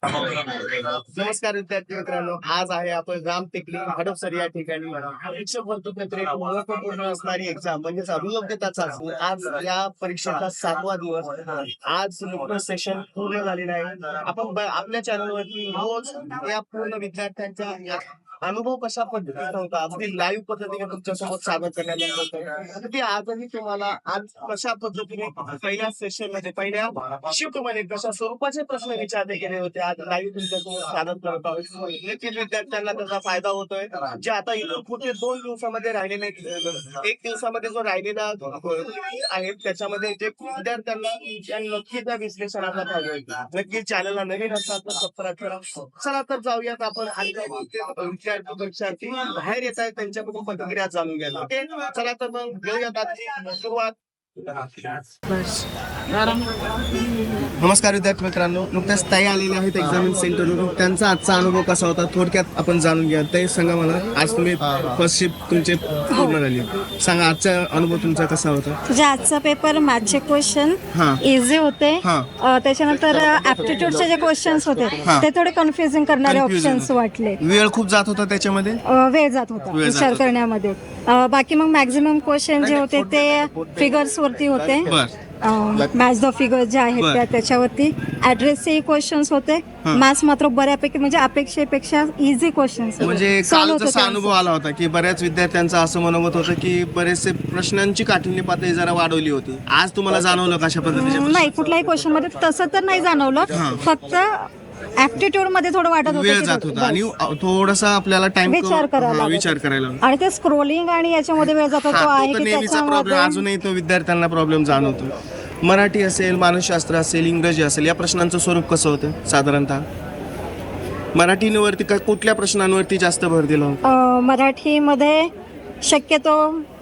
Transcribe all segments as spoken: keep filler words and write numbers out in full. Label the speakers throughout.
Speaker 1: नमस्कार विद्यार्थी मित्रांनो, आज आहे आपण राम टेकली हडपसर या ठिकाणी शिक्षक भरती एक महत्वपूर्ण असणारी एक्झाम म्हणजे अभियोग्यता चाचणी. आज या परीक्षेचा सातवा दिवस. आज नुकतंच सेशन पूर्ण झालेलं आहे. आपण ब- आपल्या चॅनलवरती रोज या पूर्ण विद्यार्थ्यांच्या या अनुभव कशा पद्धतीचा होता अगदी लाईव्ह पद्धतीने तुमच्यासोबत सादर करण्यात येत होतं. अगदी आजही तुम्हाला आज कशा पद्धतीने पहिल्या सेशन मध्ये पहिल्या शिफ्ट मध्ये कशा स्वरूपाचे प्रश्न विचारले गेले होते आज लाईव्ह तुमच्यासोबत सादर करत आहोत. नक्कीच विद्यार्थ्यांना त्याचा फायदा होतोय. जे आता इथून पुढे दोन दिवसामध्ये राहिलेले एक दिवसामध्ये जो राहिलेला आहे त्याच्यामध्ये जे विद्यार्थ्यांना या नक्की त्या विश्लेषणाचा फायदा होईल. नक्कीच चॅनलला नवीन असतात तर सबस्क्राईब करा. चला तर जाऊयात आपण आणि विद्यार्थी बाहेर येत आहेत त्यांच्याकडून प्रतिक्रिया जाणून घ्यायला. ओके, चला तर मग घेऊयात आजची सुरुवात. नमस्कार विद्यार्थी मित्रांनो, नुकत्याच ताई आलेले आहेत एक्झामिन सेंटरवरून. त्यांचा आजचा अनुभव कसा होता थोडक्यात आपण जाणून घ्या. ताई सांगा मला, आज तुम्ही फर्स्ट शिफ्ट तुमचे पूर्ण झाली, सांगा आजचा अनुभव तुमचा कसा होता?
Speaker 2: म्हणजे आजचा पेपर मॅथचे क्वेश्चन
Speaker 1: हा.
Speaker 2: इझी होते.
Speaker 1: हा.
Speaker 2: अ, त्याच्यानंतर ऍप्टिट्यूडचे जे क्वेश्चन्स होते
Speaker 1: हा.
Speaker 2: ते थोडे कन्फ्युजिंग करणारे
Speaker 1: Confusing
Speaker 2: ऑप्शन्स
Speaker 1: होते.
Speaker 2: वाटले.
Speaker 1: वेळ खूप जात होता त्याच्यामध्ये.
Speaker 2: अ, वेळ जात होता
Speaker 1: वेळ जात
Speaker 2: विचार
Speaker 1: होता.
Speaker 2: करण्यामध्ये. अ, बाकी मग मॅक्झिमम क्वेश्चन जे होते ते फिगर्स वरती होते.
Speaker 1: बर.
Speaker 2: मॅच द फिगर जे आहेत
Speaker 1: बर.
Speaker 2: त्या त्याच्यावरती ऍड्रेसचे क्वेश्चन्स होते.
Speaker 1: हा.
Speaker 2: मॅथ्स मात्र बऱ्यापैकी म्हणजे अपेक्षेपेक्षा इझी क्वेश्चन्स
Speaker 1: म्हणजे काल जसा अनुभव आला होता की बऱ्याच विद्यार्थ्यांचं असं मनोगत होतं की बरेचसे प्रश्नांची काठिण्य पातळी जरा वाढवली होती. आज तुम्हाला जाणवलं कशा पद्धतीचे प्रश्न?
Speaker 2: नाही, कुठल्याही क्वेश्चन मध्ये तसं तर नाही जाणवलं.
Speaker 1: हा.
Speaker 2: फक्त ऍप्टिट्यूड मध्ये थोडं वाटत होतं
Speaker 1: वेळ
Speaker 2: की
Speaker 1: जात होता
Speaker 2: बस.
Speaker 1: आणि थोडासा आपल्याला टाइम
Speaker 2: विचार करायला लागत.
Speaker 1: विचार करायला लागला.
Speaker 2: आणि ते स्क्रोलिंग आणि याच्यामध्ये वेळ जातो
Speaker 1: हा,
Speaker 2: तो
Speaker 1: तो
Speaker 2: आहे
Speaker 1: तर
Speaker 2: की
Speaker 1: नेहमीचा प्रॉब्लेम,
Speaker 2: त्याच्यामध्ये
Speaker 1: अजूनही तो विद्यार्थ्यांना प्रॉब्लेम जाणवतो. मराठी असेल, मानसशास्त्र असेल, इंग्रजी असेल, या प्रश्नांचं स्वरूप कसं होतं साधारणतः? मराठीवरती का कुठल्या प्रश्नांवरती जास्त भर दिला होता?
Speaker 2: अं, मराठीमध्ये शक्यतो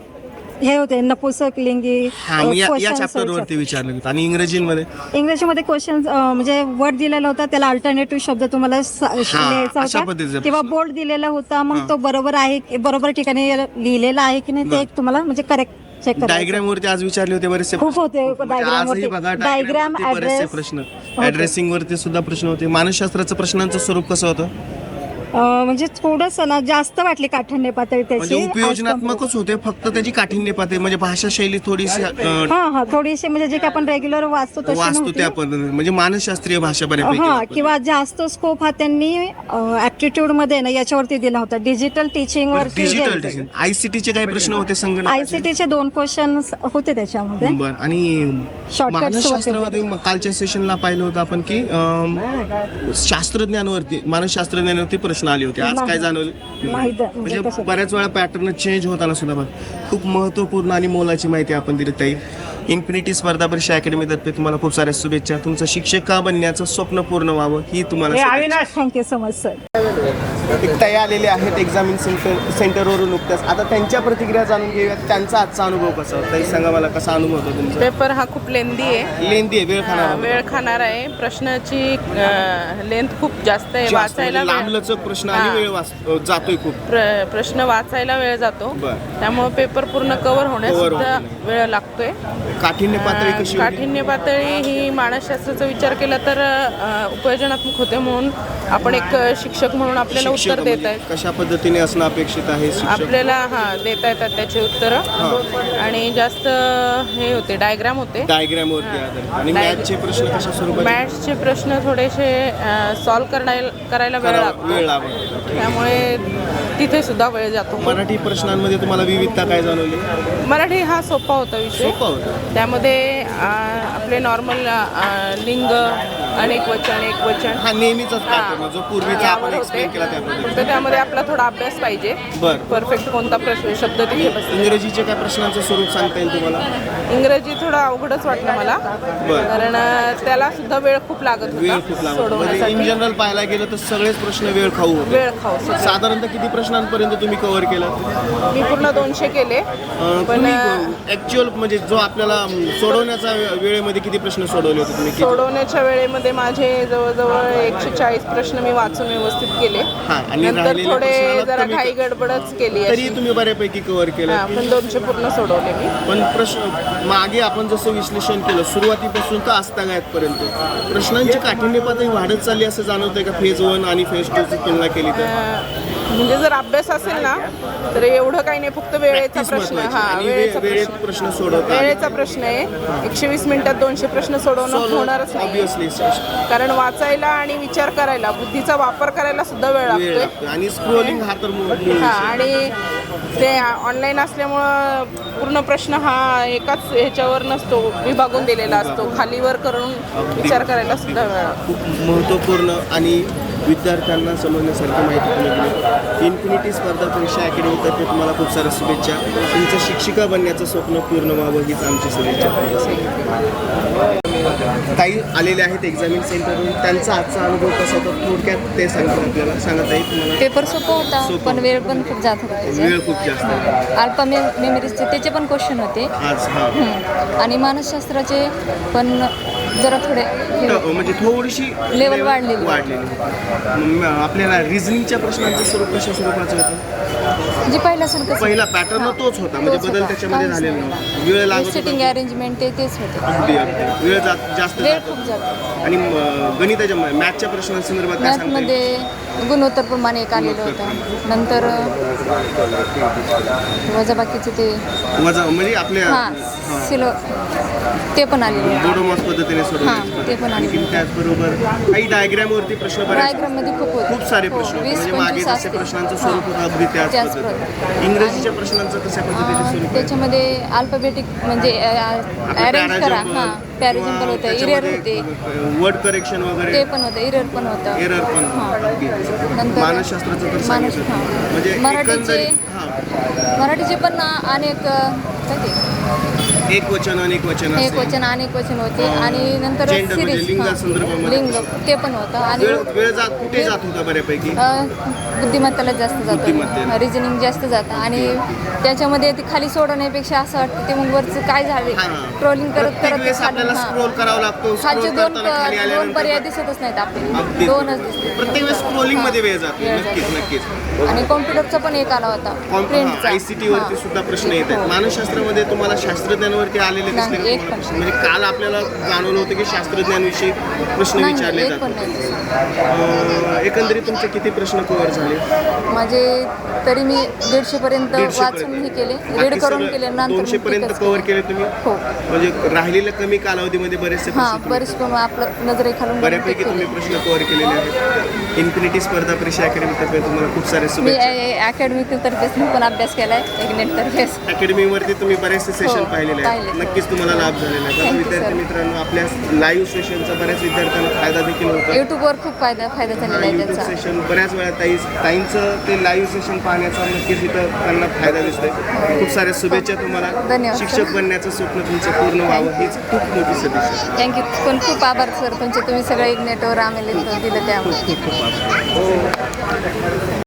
Speaker 2: हे होते नपुसक लिंगी
Speaker 1: हा, मग या
Speaker 2: questions
Speaker 1: चॅप्टर वरती
Speaker 2: होते.
Speaker 1: विचारलं होतं. आणि इंग्रजीमध्ये
Speaker 2: इंग्रजीमध्ये क्वेश्चन म्हणजे वर्ड दिलेला होता, त्याला अल्टरनेटिव्ह शब्द तुम्हाला स- लिहायचा
Speaker 1: अशा
Speaker 2: होता
Speaker 1: पद्धतीचा
Speaker 2: किंवा
Speaker 1: प्रश्न.
Speaker 2: बोर्ड दिलेला होता.
Speaker 1: हा.
Speaker 2: मग तो बरोबर आहे की- बरोबर ठिकाणी लिहिलेला आहे की नाही ते एक तुम्हाला म्हणजे करेक्ट चेक करायचं.
Speaker 1: डायग्राम वरती आज विचारले होते बरेचसे
Speaker 2: खूप होते
Speaker 1: म्हणजे
Speaker 2: डायग्राम
Speaker 1: आजही
Speaker 2: वरती.
Speaker 1: बघा
Speaker 2: डायग्राम
Speaker 1: diagram वरती बरेचसे
Speaker 2: ऍड्रेस
Speaker 1: प्रश्न, ऍड्रेसिंग वरती सुद्धा प्रश्न होते. मानसशास्त्राचं प्रश्नांचं स्वरूप कसं होतं?
Speaker 2: म्हणजे थोडंसं ना जास्त वाटली काठिण्य पातळी
Speaker 1: म्हणजे
Speaker 2: त्याची.
Speaker 1: उपयोजनात्मकच होते, फक्त त्याची काठिण्य पातळी म्हणजे भाषा शैली थोडीशी अं,
Speaker 2: हा हा थोडीशी म्हणजे जे की आपण रेग्युलर वाचतो तशी
Speaker 1: वास्तू
Speaker 2: नव्हती.
Speaker 1: त्या पद्धतीने म्हणजे मानसशास्त्रीय भाषा बऱ्यापैकी
Speaker 2: हा
Speaker 1: वापरते.
Speaker 2: किंवा जास्त स्कोप हा त्यांनी ऍप्टिट्यूड मध्ये ना याच्यावरती दिला होता, डिजिटल टीचिंग वर.
Speaker 1: डिजिटल टीचिंग, आयसीटीचे काही प्रश्न होते संगणक
Speaker 2: आयसीटीचे दोन क्वेश्चन होते त्याच्यामध्ये.
Speaker 1: बर. आणि
Speaker 2: Shortcuts
Speaker 1: मानसशास्त्रामध्ये म- कालच्या सेशनला पाहिलं होतं आपण की अं, शास्त्रज्ञांवरती, मानसशास्त्रज्ञांवरती प्रश्न आले होते. आज काय जाणवलं?
Speaker 2: नाही द- म्हणजे
Speaker 1: म्हणजे
Speaker 2: तसं.
Speaker 1: बऱ्याच वेळा पॅटर्न चेंज होताना सुद्धा बघ, खूप महत्वपूर्ण आणि मोलाची माहिती आपण दिली. ताई, इन्फिनिटी स्पर्धा परीक्षा अकॅडमीतर्फे तुम्हाला खूप साऱ्या शुभेच्छा. तुमचं शिक्षक बनण्याचं स्वप्न पूर्ण व्हावं ही तुम्हाला.
Speaker 2: Thank you so much sir.
Speaker 1: एक ताई आलेले आहेत एक्झामिन सेंटर सेंटरवरून नुकत्याच. आता त्यांच्या प्रतिक्रिया जाणून घेऊयात. त्यांचा आजचा अनुभव कसा होता? ताई सांगा मला, कसा अनुभव होता तुमचा?
Speaker 3: पेपर हा खूप लेंदी आहे,
Speaker 1: लेंदी आहे, वेळ खाणार
Speaker 3: अं, वेळ खाणार आहे. प्रश्नाची लेंथ खूप जास्त आहे, वाचायला वेळ-
Speaker 1: लांबलचक प्रश्न आणि
Speaker 3: हा.
Speaker 1: वेळ वाच जातोय खूप.
Speaker 3: प्र- प्रश्न वाचायला वेळ जातो.
Speaker 1: बरं.
Speaker 3: त्यामुळे पेपर पूर्ण कव्हर होण्यास
Speaker 1: Cover
Speaker 3: सुद्धा
Speaker 1: होत
Speaker 3: वेळ लागतोय.
Speaker 1: काठिण्य पातळी कशी
Speaker 3: अं,
Speaker 1: होती?
Speaker 3: काठिण्य पातळी ही मानसशास्त्राचा विचार केला तर अं, उपयोजनात्मक होते, म्हणून आपण एक शिक्षक म्हणून आपल्याला
Speaker 1: शिक्षक
Speaker 3: उत्तर देत
Speaker 1: म्हणजे
Speaker 3: आहेत.
Speaker 1: कशा पद्धतीने असणं अपेक्षित आहे शिक्षक?
Speaker 3: आपल्याला हा देता येतात त्याचे उत्तर. आणि जास्त हे होते डायग्राम होते.
Speaker 1: डायग्राम वरती आधारित. आणि
Speaker 3: Diagram.
Speaker 1: मॅथचे प्रश्न कशा स्वरूपाचे?
Speaker 3: मॅथ्सचे प्रश्न थोडेसे सॉल्व्ह करायला करायला वेळ
Speaker 1: करा-
Speaker 3: लागतो,
Speaker 1: वेळ लागतो.
Speaker 3: त्यामुळे तिथे सुद्धा वेळ जातो.
Speaker 1: मराठी प्रश्नांमध्ये तुम्हाला विविधता काय जाणवली?
Speaker 3: मराठी हा सोपा होता विषय.
Speaker 1: सोपा होता.
Speaker 3: त्यामध्ये अ, आपले नॉर्मल लिंग, अनेक वचन, एक वचन
Speaker 1: हा नेहमीचाच pattern आहे, जो पूर्वीचा आपण
Speaker 3: यावर
Speaker 1: एक्सप्लेन
Speaker 3: होते.
Speaker 1: केला त्या पद्धतीने.
Speaker 3: फक्त त्यामध्ये आपला थोडा अभ्यास पाहिजे.
Speaker 1: बर.
Speaker 3: परफेक्ट कोणता प्रश्न शब्द तिथे बसतो.
Speaker 1: इंग्रजीचे काय प्रश्नांचं स्वरूप सांगता येईल तुम्हाला?
Speaker 3: इंग्रजी थोडं अवघडच वाटलं मला,
Speaker 1: बर.
Speaker 3: कारण अ, त्याला सुद्धा वेळ खूप लागत
Speaker 1: वेळ
Speaker 3: होता
Speaker 1: खूप लागतो. म्हणजे इन
Speaker 3: सोडवण्यासाठी.
Speaker 1: जनरल पाहायला गेलं तर सगळेच प्रश्न वेळ खाऊ होते.
Speaker 3: वेळ खाऊ सगळं.
Speaker 1: साधारणतः किती प्रश्नांपर्यंत तुम्ही कव्हर केलं?
Speaker 3: मी पूर्ण दोनशे केले. पण
Speaker 1: ऍक्च्युअल म्हणजे जो आपल्याला अं, सोडवण्याचा वे- वेळेमध्ये किती प्रश्न सोडवले होते तुम्ही? किती?
Speaker 3: सोडवण्याच्या वेळेमध्ये मध्ये माझे जवळजवळ एकशे चाळीस प्रश्न मी वाचून व्यवस्थित केले.
Speaker 1: हा, आणि
Speaker 3: नंतर
Speaker 1: राहिलेल्या
Speaker 3: थोडे
Speaker 1: प्रश्नाला
Speaker 3: जरा
Speaker 1: कमी-
Speaker 3: घाई गडबडच केली
Speaker 1: तरी
Speaker 3: अशी.
Speaker 1: तुम्ही बऱ्यापैकी कव्हर केलं.
Speaker 3: हा, पण दोनशे पूर्ण सोडवले मी.
Speaker 1: पण प्रश्न मागे आपण जसं विश्लेषण केलं सुरुवातीपासून तर आजतागायतपर्यंत प्रश्नांची काठिण्य पातळी वाढत चालली असं जाणवतंय का फेज वन आणि फेज टू ची तुलना केली तर?
Speaker 3: अं, म्हणजे जर अभ्यास असेल ना तर एवढं काही नाही, फक्त वेळेचा
Speaker 1: Practice
Speaker 3: प्रश्न.
Speaker 1: महत्त्वाची.
Speaker 3: हा,
Speaker 1: आणि वे-
Speaker 3: वेळेचा
Speaker 1: वेळेत
Speaker 3: प्रश्न
Speaker 1: प्रश्न सोडवता आले.
Speaker 3: वेळेचा प्रश्न आहे. एकशे वीस मिनिटात दोनशे प्रश्न सोडवणं होणारच नाही,
Speaker 1: ऑब्विसली
Speaker 3: कारण वाचायला आणि विचार करायला, बुद्धीचा वापर करायला सुद्धा वेळ
Speaker 1: वेळ
Speaker 3: लागतोय.
Speaker 1: लागतो. आणि स्क्रोलिंग हा तर मूळ विषय.
Speaker 3: हा, आणि ते ऑनलाईन असल्यामुळं पूर्ण प्रश्न हा एकाच ह्याच्यावर नसतो, विभागून दिलेला असतो. खालीवर करून विचार करायला सुद्धा वेळ लागतो.
Speaker 1: खूप महत्त्वपूर्ण आणि विद्यार्थ्यांना समजण्यासारखी माहिती तुम्ही दिली. इन्फिनिटी स्पर्धा परीक्षा अकॅडमीतर्फे तुम्हाला खूप साऱ्या शुभेच्छा. तुमचं शिक्षिका बनण्याचं स्वप्न पूर्ण व्हावं हीच आमची शुभेच्छा. ताई आलेले आहेत एक्झामिन सेंटरवरून, त्यांचा आजचा अनुभव कसा होता थोडक्यात ते सांगतात आपल्याला. सांगत आहे तुम्हाला.
Speaker 2: पेपर सोपा होता,
Speaker 1: सोपं
Speaker 2: पण वेळ पण खूप जात होता त्याच्यात.
Speaker 1: वेळ खूप जास्त आहे.
Speaker 2: अल्पा मे मेमरीजचे त्याचे पण क्वेश्चन होते.
Speaker 1: आज हा
Speaker 2: हम्म. आणि मानसशास्त्राचे पण जरा थोडे हे
Speaker 1: ट- म्हणजे थोडीशी
Speaker 2: Level वाढलेली.
Speaker 1: वाढलेली. म- आपल्याला रिझनिंगच्या प्रश्नांचं स्वरूप कशा स्वरूपाचं होतं?
Speaker 2: जे पहिल्यासारखं
Speaker 1: पहिला पॅटर्न तोच होता, म्हणजे बदल त्याच्यामध्ये झालेला नव्हता. वेळ लागत
Speaker 2: सिटिंग
Speaker 1: होता.
Speaker 2: अरेंजमेंट ते तेच होते.
Speaker 1: अगदी अगदी वेळ जात जास्त
Speaker 2: वेळ
Speaker 1: जात
Speaker 2: खूप
Speaker 1: होता.
Speaker 2: जातो.
Speaker 1: आणि म- गणिताच्या मॅथच्या प्रश्नांसंदर्भात काय सांगता येईल?
Speaker 2: मॅथमध्ये गुणोत्तर प्रमाणे एक आलेलं होतं. नंतर वजाबाकीचे ते
Speaker 1: वजा म्हणजे आपल्या
Speaker 2: हां सिलो ते पण आलेलं होतं.
Speaker 1: बोडोमॉस पद्धतीने
Speaker 2: हां,
Speaker 1: सोडवले.
Speaker 2: ते पण
Speaker 1: आणखी
Speaker 2: आलेलं.
Speaker 1: त्याचबरोबर काही डायग्राम वरती प्रश्न बरेच
Speaker 2: डायग्राममध्ये खूप होते.
Speaker 1: खूप सारे
Speaker 2: हो,
Speaker 1: प्रश्न होते.
Speaker 2: वीस
Speaker 1: म्हणजे मागे
Speaker 2: पंचवीस
Speaker 1: जसे
Speaker 2: असतील.
Speaker 1: प्रश्नांचं
Speaker 2: हां.
Speaker 1: स्वरूप होतं अगदी त्याच
Speaker 2: त्याच
Speaker 1: पद्धतीने.
Speaker 2: पद्धतीने.
Speaker 1: इंग्रजीच्या प्रश्नांचं कशा पद्धतीने
Speaker 2: अं,
Speaker 1: स्वरूप आहे?
Speaker 2: त्याच्यामध्ये अल्फाबेटिक म्हणजे अरेंज करा. हां पॅरेजम्पल होतं, इरेर होते,
Speaker 1: वर्ड करेक्शन वगैरे
Speaker 2: ते पण होतं, इरेर पण होतं.
Speaker 1: एरर पण
Speaker 2: हां.
Speaker 1: अगदी.
Speaker 2: नंतर
Speaker 1: मानसशास्त्राचं तर
Speaker 2: मानस
Speaker 1: सांगितलं.
Speaker 2: हां.
Speaker 1: म्हणजे
Speaker 2: मराठीचे
Speaker 1: एकंदरीत हां
Speaker 2: मराठीचे पण अनेक काय ते
Speaker 1: एक वचन अनेक वचन
Speaker 2: एक
Speaker 1: असेल.
Speaker 2: वचन अनेक वचन होते.
Speaker 1: अं,
Speaker 2: आणि नंतर
Speaker 1: gender म्हणजे
Speaker 2: सिरीज
Speaker 1: लिंगासंदर्भामध्ये.
Speaker 2: लिंग ते पण होतं. आणि
Speaker 1: वेळ वेळ जात कुठे जात होता बऱ्यापैकी?
Speaker 2: अं, बुद्धिमत्ताला जास्त
Speaker 1: बुद्धिमत्तेला.
Speaker 2: जातं, रिजनिंग जास्त जातं. आणि त्याच्यामध्ये ते खाली सोडवण्यापेक्षा असं वाटतं ते मग वरचं काय झाले
Speaker 1: हां.
Speaker 2: ट्रोलिंग करत
Speaker 1: प्रत्येक
Speaker 2: करत
Speaker 1: वेळेस
Speaker 2: खाली
Speaker 1: आपल्याला
Speaker 2: हां.
Speaker 1: स्क्रोल करावा लागतो.
Speaker 2: खालचे
Speaker 1: स्क्रोल
Speaker 2: दोन
Speaker 1: करताना खाली
Speaker 2: दोन
Speaker 1: आल्यानंतर
Speaker 2: पर्याय दिसतच नाहीत आपल्याला,
Speaker 1: अगदी
Speaker 2: दोनच दिसते.
Speaker 1: प्रत्येक वेळेस स्क्रोलिंग मध्ये वेळ जातो.
Speaker 2: वेळ
Speaker 1: नक्कीच
Speaker 2: जातो.
Speaker 1: नक्कीच.
Speaker 2: आणि कॉम्प्युटरचा पण एक आला होता प्रिंटचा.
Speaker 1: आयसीटी वरती सुद्धा प्रश्न येत आहेत. मानसशास्त्रामध्ये तुम्हाला शास्त्रज्ञांवरती आलेले दिसले
Speaker 2: नाही,
Speaker 1: का
Speaker 2: एक
Speaker 1: तुम्हाला?
Speaker 2: पण.
Speaker 1: म्हणजे काल आपल्याला जाणवलं होतं की शास्त्रज्ञांविषयी प्रश्न
Speaker 2: नाही
Speaker 1: विचारले
Speaker 2: एक पण
Speaker 1: जातात.
Speaker 2: नाही.
Speaker 1: अं, एकंदरीत तुमचे किती प्रश्न कव्हर झाले?
Speaker 2: माझे तरी मी दीडशे पर्यंत
Speaker 1: दीडशे
Speaker 2: वाचून हे केले, रीड करून केले. नंतर
Speaker 1: दोनशे
Speaker 2: मी
Speaker 1: पर्यंत
Speaker 2: tickets
Speaker 1: कव्हर
Speaker 2: केले.
Speaker 1: केले तुम्ही?
Speaker 2: हो.
Speaker 1: म्हणजे राहिलेल्या कमी कालावधीमध्ये बरेचसे
Speaker 2: हां
Speaker 1: प्रश्न
Speaker 2: बरेच पण आपलं नजरेखालून
Speaker 1: बऱ्यापैकी
Speaker 2: केले.
Speaker 1: तुम्ही प्रश्न कव्हर केलेले आहेत. इन्फिनिटी स्पर्धा परीक्षा अकॅडमीतर्फे तुम्हाला खूप सारे
Speaker 2: मी
Speaker 1: शुभेच्छा.
Speaker 2: अकॅडमी तर्फेच मी पण अभ्यास केलाय, एक नेट तर्फेच.
Speaker 1: अकॅडमीवरती तुम्ही बरेचसे सेशन
Speaker 2: हो,
Speaker 1: पाहिलेले आहेत.
Speaker 2: पाहिले.
Speaker 1: नक्कीच तुम्हाला लाभ झालेला आहे.
Speaker 2: Thank you,
Speaker 1: विद्यार्थी
Speaker 2: sir.
Speaker 1: मित्रांनो, आपल्या लाईव्ह सेशनचा बऱ्याच विद्यार्थ्यांना फायदा देखील होतो.
Speaker 2: युट्यूबवर खूप फायदा फायदा झालेला आहे
Speaker 1: युट्यूब
Speaker 2: त्याचा.
Speaker 1: सेशन बऱ्याच वेळा ताई ताईंचं ते लाईव्ह सेशन पाहण्याचा नक्कीच इथं त्यांना फायदा दिसतोय. खूप साऱ्या शुभेच्छा तुम्हाला.
Speaker 2: धन्यवाद,
Speaker 1: शिक्षक
Speaker 2: sir.
Speaker 1: बनण्याचं स्वप्न तुमचं पूर्ण व्हावं हीच खूप मोठी सदिच्छा.
Speaker 2: थँक्यू. पण खूप आभार सर तुमचे, तुम्ही सगळं एक नेटवर आम्हाला इथं दिलं त्यामुळे.
Speaker 1: खूप खूप खूप आभार.